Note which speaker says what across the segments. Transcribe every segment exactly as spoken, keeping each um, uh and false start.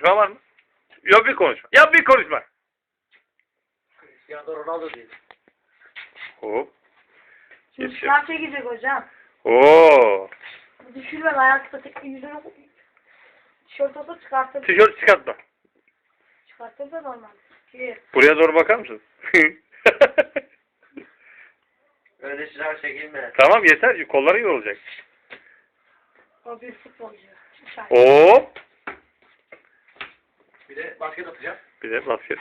Speaker 1: konuşma var mı? Yok bir konuşma. Yap bir konuşma.
Speaker 2: Cristiano Ronaldo değil.
Speaker 1: Hop.
Speaker 3: Şimdi
Speaker 1: Geçiyor.
Speaker 3: sınav çekecek hocam.
Speaker 1: Oo.
Speaker 3: Düşürme ayakta tek yüzünü tişört olsa çıkartır.
Speaker 1: Tişört çıkartma.
Speaker 3: Çıkartır da normal. Ki
Speaker 1: Buraya doğru bakar mısın?
Speaker 2: Öyle sınav çekilme.
Speaker 1: Tamam yeter. Kolları yorulacak.
Speaker 3: o bir futbolcu. Çıkar.
Speaker 1: Hop.
Speaker 2: Bir de basket atacağım.
Speaker 1: Bir de basket.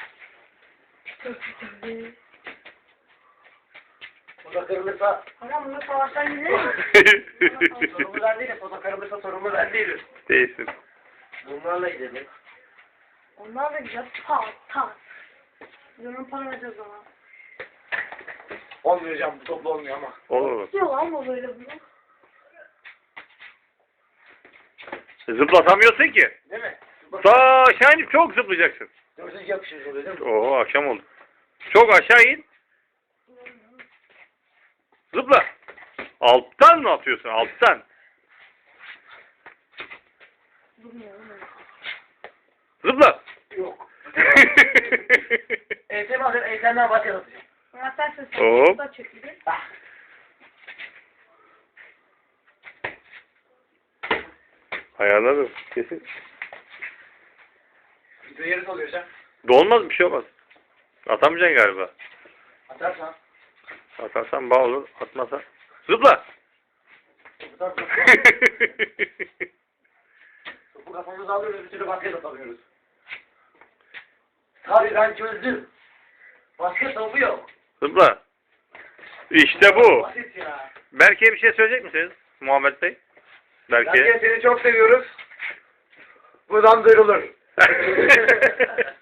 Speaker 2: Foto kırılırsa
Speaker 3: Hocam bunu savaştan gidelim mi?
Speaker 2: sorumlu ben değilim. Foto kırılırsa sorumlu ben değilim.
Speaker 1: Değilsin.
Speaker 2: Bunlarla gidelim.
Speaker 3: Onlar da güzel. Pat pat. Biz onun para vereceğiz ona.
Speaker 2: Olmuyor hocam. Bu toplu olmuyor ama.
Speaker 1: Olur mu?
Speaker 3: Yok lan bu böyle bunu.
Speaker 1: Zıplatamıyorsun ki.
Speaker 2: Değil mi?
Speaker 1: Daha aşağı inip çok zıplayacaksın.
Speaker 2: Dördüncü yapışırız oluyor değil mi?
Speaker 1: Oo akşam oldu. Çok aşağı in. Zıpla. Alttan mı atıyorsun? Alttan.
Speaker 3: Bilmiyorum.
Speaker 1: Zıpla.
Speaker 2: Yok. Eğitim alır. Eğitimden basket atacağım.
Speaker 3: Zaten sen
Speaker 1: Hop.
Speaker 3: sen da çekilir.
Speaker 2: Ah.
Speaker 1: Ayarladım. Kesin.
Speaker 2: Video yarısı oluyor hocam.
Speaker 1: Dolmaz bir şey olmaz. Atamayacaksın galiba.
Speaker 2: Atarsan.
Speaker 1: Atarsan bağ olur. Atmasan. Zıpla.
Speaker 2: Atarsan. Topu kafamıza alıyoruz. Bir türlü basket atamıyoruz. Tabii ben çözdüm. Basket topu yok.
Speaker 1: Zıpla. İşte bu.
Speaker 2: Basit ya.
Speaker 1: Berke'ye bir şey söyleyecek misiniz? Muhammed Bey. Berke.
Speaker 2: Berke seni çok seviyoruz. Buradan duyurulur.